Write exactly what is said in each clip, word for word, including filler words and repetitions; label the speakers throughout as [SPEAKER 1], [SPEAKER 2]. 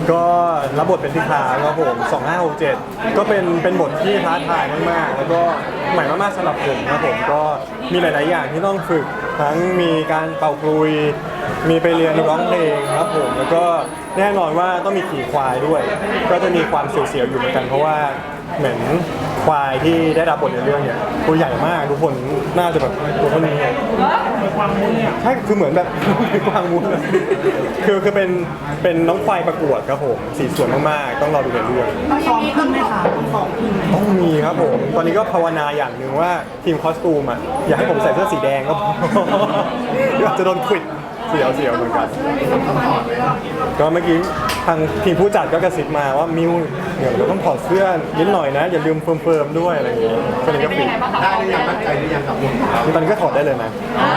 [SPEAKER 1] ก็รับบทเป็นพิธาครับผมสองห้าหกเจ็ดก็เป็นเป็นบทที่ท้าทายมากๆแล้วก็ใหม่มากๆสำหรับผมครับผมก็มีหลายๆอย่างที่ต้องฝึกทั้งมีการเป่าคลุยมีไปเรียนร้องเพลงครับผมแล้วก็แน่นอนว่าต้องมีขี่ควายด้วย ก็จะมีความเสียวๆอยู่เหมือนกันเพราะว่าเหมือนควายที่ได้รับบทในเรื่องเนี่ยตัวใหญ่มากทุกคนน่าจะแบบตัวเท่านี้ใช่คือเหมือนแบบกวางมูลคือคือเป็นเป็นน้องควายประกวดครับผมสีสวยมากๆต้องรอดูในเรื่อง
[SPEAKER 2] ต้องซ้อมขึ้นไหมคะต้องซ้อมขึ้นไหม
[SPEAKER 1] ต้องมีครับผมตอนนี้ก็ภาวนาอย่างหนึ่งว่าทีมคอสตูมอ่ะอยากให้ผมใส่เสื้อสีแดงก็พอเดี๋ยวอาจจะโดนควิดเสียวเสียวเหมือนกันก็เมื่อกี้ทางทีมผู้จัดก็กระซิบมาว่ามิวเดี๋ยวเราต้องถอดเสื้อนิดหน่อยนะอย่าลืมเฟิร์มๆด้วยอะไรอย่างงี้ก็เลยก็ปิด
[SPEAKER 3] ได้หรือยังมั่นใจหรือยังกับวงของเรา
[SPEAKER 1] ตอนนี้ก็ถอดได้เลยนะ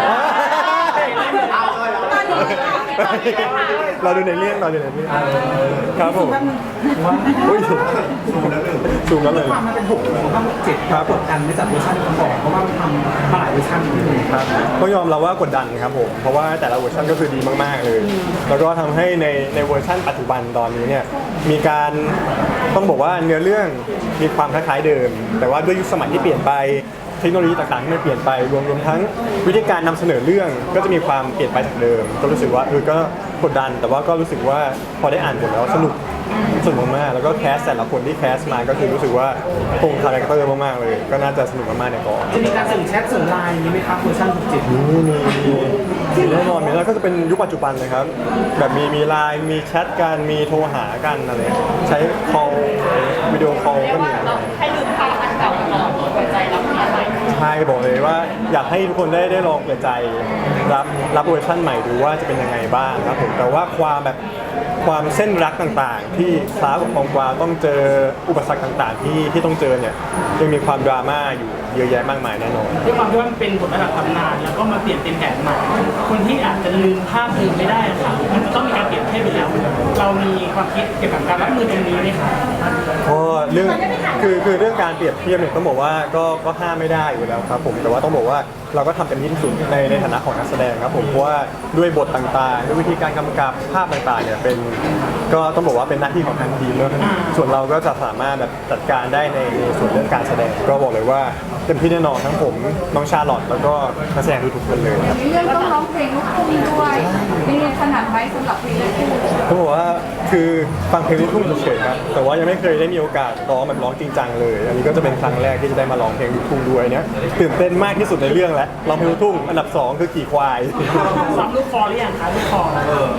[SPEAKER 3] เอาเลยเอาเลย
[SPEAKER 1] เราดูในเรื่องเราดูในเรื่องครับผมอุ้ยสูงแล้วเลย
[SPEAKER 2] ความมันเป็นหกหรือว่าเจ็ดครับกดดันไม่จัดเวอร์ชันก่อนเพราะว่ามันทำมาหลายเวอร์ชันเลย
[SPEAKER 1] ครับก็ยอมรับว่ากดดันครับผมเพราะว่าแต่ละเวอร์ชันก็คือดีมากๆเลย แล้วก็ทำให้ในในเวอร์ชันปัจจุบันตอนนี้เนี่ยมีการต้องบอกว่าเนื้อเรื่องมีความคล้ายๆเดิม แต่ว่าด้วยยุคสมัยที่เปลี่ยนไปเทคโนโลยีต่างๆที่มันเปลี่ยนไปรวมรวมทั้งวิธีการนำเสนอเรื่องก็จะมีความเปลี่ยนไปจากเดิม ก็รู้สึกว่าเออก็กดดัน แต่ว่าก็รู้สึกว่าพอได้อ่านบทแล้วสนุกสนุกมากๆแล้วก็แคสแต่ละคนที่แคสมาก็คือรู้สึกว่าคงคาแรคเตอร์มากๆเลย ก็น่าจะสนุกมากๆในกอง
[SPEAKER 2] จะมีการส่งแชทส่งไลน์นี้ไหมครับเวอร์ชันหกเจ็ด
[SPEAKER 1] มีมีมีแน่นอนมีแล้วก็จะเป็นยุคปัจจุบันเลยครับแบบมีมีไลน์มีแชทกันมีโทรหากันอะไรใช้ call วิดีโอ call ก็มี
[SPEAKER 4] ให้ลืมภาพอันเก่าก่อนเปิดใจรับงานใหม่
[SPEAKER 1] ใช่บอกเลยว่าอยากให้ทุกคนได้ได้ลองเปิดใจรับรับเวอร์ชันใหม่ดูว่าจะเป็นยังไงบ้างครับผมแต่ว่าความแบบความเส้นรักต่างๆ ที่คล้ากับของกวางต้องเจออุปสรรคต่างๆ ที่ที่ต้องเจอเนี่ยยังมีความดราม่าอยู่เยอะแยะมากมายแน่นอน
[SPEAKER 2] ด้วยความที่ว่ามันเป็นบทระดับตำนานแล้วก็มาเปลี่ยนเป็นแผนใหม่คนที่อาจจะลืมภาพลืมไม่ได้ค่ะมันจะต้องมีการเปลี่ยนเทียบไปแล้วเรามีความคิดเกี่ยวกับการรับมือตรงนี้ไหมคะ
[SPEAKER 1] เพราะเรื่องคือคือเรื่องการเปรียบเทียบเนี่ยต้องบอกว่าก็ก็ห้ามไม่ได้อยู่แล้วครับผมแต่ว่าต้องบอกว่าเราก็ทำเต็มที่ที่สุดในในฐานะของนักแสดงครับผมเพราะว่าด้วยบทต่างๆด้วยวิธีการกำกับภาพต่างๆเนี่ยเป็นก็ต้องบอกว่าเป็นหน้าที่ของทางทีมเนอะส่วนเราก็จะสามารถแบบจัดการได้ในในส่วนเรื่องการแสดงก็บอกเลยว่าเต็มที่แน่นอนทั้งผมน้องชาลอตแล้วก็นักแสดงทุกๆคนเลยครับ
[SPEAKER 4] มีเรื่องต้องร้องเพลงลูกทุ่งด้วยมีขนาดไหมสำหรับเพลงลูกทุ่ง
[SPEAKER 1] เขาบอกว่าคือฟังเพลงลูกทุ่งเฉยๆครับแต่ว่ายังไม่เคยได้มีโอกาสร้องแบบร้องจริงจังเลย อันนี้ก็จะเป็นครั้งแรกที่จะได้มาร้องเพลงลูกทุ่งด้วยเนี่ยตื่นเต้นมากที่สุดในเรื่องแล้วร้องเพลงลูกทุ่งอันดับสองคือขี่ควาย
[SPEAKER 2] ซ้อมลูกคอหรือยังคะลูกคอเออ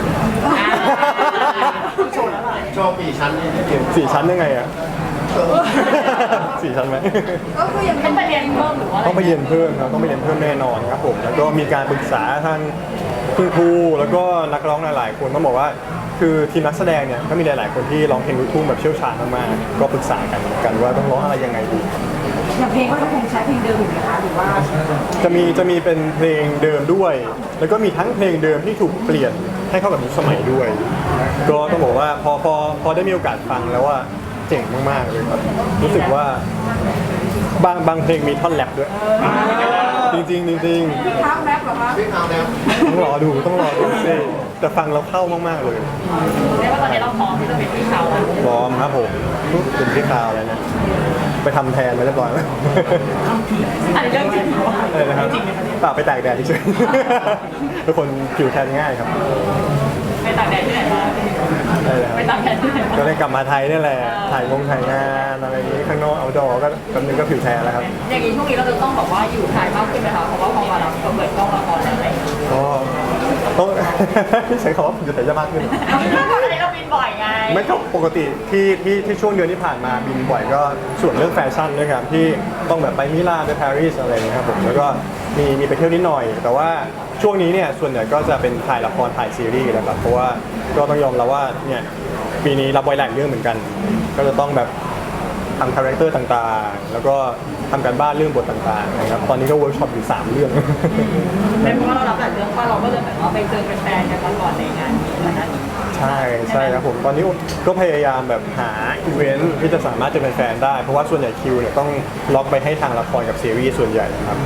[SPEAKER 2] โชว์แล้วล่ะ
[SPEAKER 3] โชว์ปีชั้นนี่ที่เดียว
[SPEAKER 1] สี่ชั้นยังไงอะสี่ชั้นไหม
[SPEAKER 4] ก็คือยังต้องไปเรียนเพิ่มหรือว่า
[SPEAKER 1] ต้องไปเรียนเพิ่มครับต้องไปเรียนเพิ่มแน่นอนครับผมแล้วก็มีการปรึกษาทางคุณครูแล้วก็นักร้องหลายๆคนต้องบอกว่าคือทีมนักแสดงเนี่ยก็มีหลายๆคนที่ร้องเพลงลูกทุ่งแบบเชี่ยวชาญมากๆก็ปรึกษากันกันว่าต้องร้องอะไรยังไงดี
[SPEAKER 4] อย่างเพลงก็คงใช้เพลงเดิมอยู่นะคะหรือว่า
[SPEAKER 1] จะมีจะมีเป็นเพลงเดิมด้วย แล้วก็มีทั้งเพลงเดิมที่ถูกเปลี่ยนให้เข้ากับยุคสมัยด้วย ก็ต้องบอกว่าพอพอพอได้มีโอกาสฟังแล้วว่าเจ๋งมากๆเลยครับรู้สึกว่าบางบางเพลงมีท่อนแรปด้วย จริงๆจริง
[SPEAKER 4] ท้าแรปเหรอคะ
[SPEAKER 3] วิ่งเอาแล้ว
[SPEAKER 1] ๆต้องรอดูต้องรอดูสิแต่ฟังแล้วเข้ามากๆเลย
[SPEAKER 4] เรียกว่าตอนนี้เราพร้อมที่จะเป็นพี่เขาแล้ว
[SPEAKER 1] พร้อมครับผมเป็นที่ข่าวแล้วนะไปทำแทนมาเรียบร้อยแล้ว
[SPEAKER 4] อันนี้เรื่องจริงเหรอ
[SPEAKER 1] อะไรนะครับเปล่าไปตากแดดเฉยๆทุกคนผิวแทนง่ายครับ
[SPEAKER 4] ไปตากแดดที่ไหนมา
[SPEAKER 1] ได้เลยครับ
[SPEAKER 4] ไปตากแดดที่ไหนมา
[SPEAKER 1] ก็เลยกลับมาไทยนี่แหละ ถ่ายงงถ่ายงานอะไรอย่างนี้ข้างนอกเอาดอก็กำนึงก็ผิวแทนแล้วครับ
[SPEAKER 4] อย่างนี้ช่วงนี้เราจะต้องแบบว่าอยู่ไทยมากขึ้นไหมคะเพราะว่าพอมาเราก็เปิดกล้องละครแล้วอะไรอย่างเงี้ย
[SPEAKER 1] ก็ต้อง ใช้คำว่าผิวแทนจะมากขึ้น
[SPEAKER 4] เราไม่ต้องอะไรเราบินบ่อยไง
[SPEAKER 1] ไม่ก็ปกติที่ที่ที่ช่วงเดือนที่ผ่านมาบินบ่อยก็ส่วนเรื่องแฟชั่นด้วยครับที่ต้องแบบไปมิลานไปปารีสอะไรอย่างเงี้ยครับผมแล้วก็มีมีไปเที่ยวนิดหน่อย แต่ว่าช่วงนี้เนี่ยส่วนใหญ่ก็จะเป็นถ่ายละครถ่ายซีรีส์นะครับเพราะว่าก็ต้องยอมรับว่าเนี่ยปีนี้รับไว้หลายเรื่องเหมือนกัน ก็จะต้องแบบทำคาแรคเตอร์ต่างๆ แล้วก็ทำการบ้านเรื่องบทต่างๆนะครับตอนนี้ก็เวิร์กช็อปอยู่สามเรื่อง
[SPEAKER 4] เป็นเพราะว่าเรารับหลายเรื่องว่าเราก็เลยแบบว่าไปเจอแฟนๆกันมาก่อนในงานนี้นะคะ
[SPEAKER 1] ใช่ใช่ครับผมตอนนี้ก็พยายามแบบหาอีเวนท์ที่จะสามารถจะเป็นแฟนได้เพราะว่าส่วนใหญ่คิวเนี่ยต้องล็อกไปให้ทางละครกับซีรีส์ส่วนใหญ่นะครับ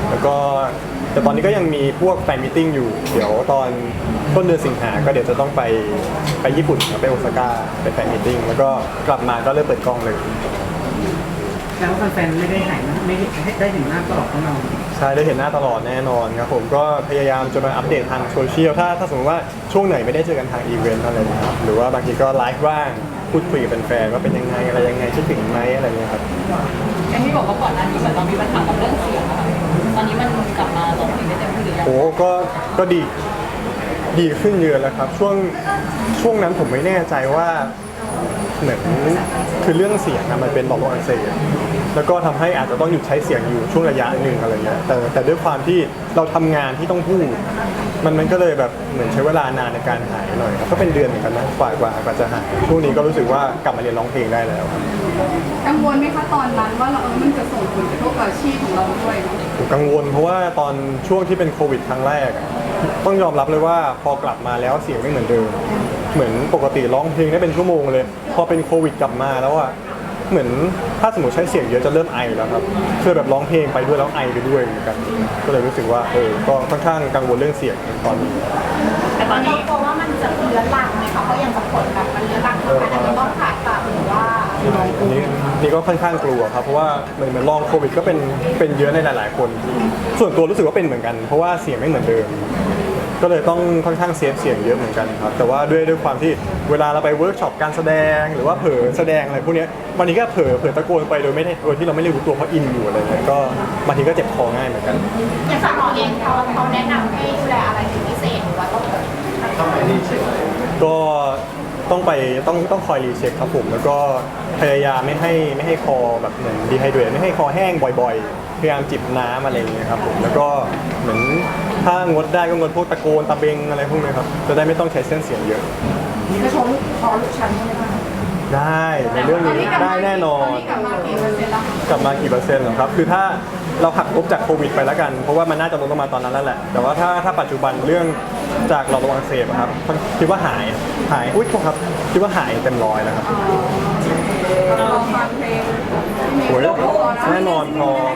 [SPEAKER 1] แล้วก็แต่ตอนนี้ก็ยังมีพวกแฟนมิทติ้งอยู่ เดี๋ยวตอนต้นเดือนสิงหาก็เดี๋ยวจะต้องไปไปญี่ปุ่นครับไปโอซาก้าไปแฟนมิทติ้งแล้วก็กลับมาก็เริ่มเปิดกล้องเลย
[SPEAKER 2] แล้วแฟนๆไม่ได้หายไม่ได้ได้เห็นหน้าตลอดของเรา
[SPEAKER 1] ใช่ได้เห็นหน้าตลอดแน่นอนครับผมก็พยายามจะมาอัปเดตทางโซเชียลถ้าถ้าสมมติว่าช่วงไหนไม่ได้เจอกันทางอีเวนต์อะไรนะครับหรือว่าบางทีก็ไลฟ์บ้างพูดคุยกับแฟนๆว่าเป็นยังไงอะไรยังไงคิดถึงไหมอะไรเงี้ยครับ
[SPEAKER 4] อย่างที่บอกว่าก่อนหน้านี้เหมือนเรามีปัญหากับเรื่องเสียงอะค่ะตอนนี้มันกลับมาร้องเพลงได้เต็มที่หรือยัง
[SPEAKER 1] โอ้ก็ก็ดีดีขึ้นเยอะแล้วครับช่วงช่วงนั้นผมไม่แน่ใจว่าเหมือนคือเรื่องเสียงนะมันเป็นหลอดลมอักเสบแล้วก็ทำให้อาจจะต้องหยุดใช้เสียงอยู่ช่วงระยะหนึ่งอะไรเงี้ยแต่แต่ด้วยความที่เราทำงานที่ต้องพูดมันมันก็เลยแบบเหมือนใช้เวลานานในการหายหน่อยครับก็เป็นเดือนเหมือนกันนะกว่ากว่ากว่าจะหายช่วงนี้ก็รู้สึกว่ากลับมาเรียนร้องเพลงได้แล้วครับ
[SPEAKER 5] กังวลไหมคะตอนนั้นว่าเราเออมันจะส่งผลกระทบกับอาชีพของเราด้วยเนอะ
[SPEAKER 1] ผมกังวลเพราะว่าตอนช่วงที่เป็นโควิดครั้งแรกอะต้องยอมรับเลยว่าพอกลับมาแล้วเสียงไม่เหมือนเดิม เหมือนปกติร้องเพลงได้เป็นชั่วโมงเลย พอเป็นโควิดกลับมาแล้วอะเหมือนถ้าสมมติใช้เสียงเยอะจะเริ่มไอแล้วครับคือแบบร้องเพลงไปด้วยแล้วไอไปด้วยเหมือนกันก็เลยรู้สึกว่าเออก็ค่อนข้างกังวลเรื่องเสียงตอนนี้
[SPEAKER 4] แต่ตอนนี้
[SPEAKER 5] กลัวว่ามันจะเรื้อรังไหมคะเพราะอย่างบางคนแบบมันเรื้อรังถึงขั้นอาจจะต้องผ่าตัดหรือว่า
[SPEAKER 1] อันนี้นี่ก็ค่อนข้างกลัวครับเพราะว่าเหมือนเหมือนลองโควิดก็เป็นเป็นเยอะในหลาย ๆ คน ส่วนตัวรู้สึกว่าเป็นเหมือนกัน เพราะว่าเสียงไม่เหมือนเดิม ก็เลยต้องค่อนข้างเซฟเสียงเยอะเหมือนกันครับแต่ว่าด้วยด้วยความที่เวลาเราไปเวิร์กช็อปการแสดงหรือว่าเผลอแสดงอะไรพวกเนี้ยวันนี้ก็เผลอเผลอตะโกนไปโดยไม่ได้โดยที่เราไม่ได้รู้ตัวเพราะอินอยู่อะไรเงี้ยก็บางทีก็เจ็บคอง่ายเหมือนกัน
[SPEAKER 5] อย่างสาวเองเขาเขาแนะนำให้ดูแลอะไรเป็นพิเศษหรือว่าต้อง
[SPEAKER 3] ต้องไปรีเช็ค
[SPEAKER 1] ก็ต้องไปต้องต้องคอยรีเช็คครับผมแล้วก็พยายามไม่ให้ไม่ให้คอแบบเหมือนดีไฮเดรตไม่ให้คอแห้งบ่อยๆพยายามจิบน้ำอะไรอย่างเงี้ยครับผมแล้วก็เหมือนถ้างดได้ก็งดพวกตะโกนตะเบงอะไรพวกนี้ครับจะได้ไม่ต้องใช้เส้นเสียงเยอะ
[SPEAKER 5] จะชมพอลูกชั้นใช่ไหมคะ
[SPEAKER 1] ได้ในเรื่องนี้ได้แน่นอน
[SPEAKER 5] ตอนนี้กลับมากี่เปอร์เซ็นต์แล้วคะ
[SPEAKER 1] กลับมากี่เปอร์เซ็นต์เหรอครับคือถ้าเราหักลบจากโควิดไปแล้วกันเพราะว่ามันน่าจะลดลงมาตอนนั้นแล้วแหละแต่ว่าถ้าถ้าปัจจุบันเรื่องจากหลอดลมอักเสบอะครับคิดว่าหายหายอุ้ยโทษครับคิดว่าหายเต็มร้อยแล้วครับ
[SPEAKER 5] เราลองฟังเพลงที่มี
[SPEAKER 1] โอ้ย
[SPEAKER 5] ลูกโป่งนะ
[SPEAKER 1] แน่นอนพร้อม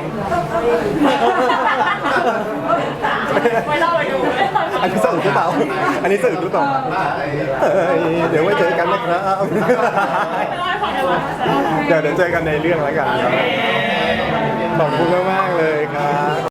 [SPEAKER 4] ไม่เล่าไปดู
[SPEAKER 1] อันนี้สะอึกหรือเปล่า อันนี้สะอึกหรือเปล่าเอ้ยเดี๋ยวไว้เจอกันนะครับ เดี๋ยวเดี๋ยวเจอกันในเรื่องแล้วกันครับ ขอบคุณมากๆเลยครับ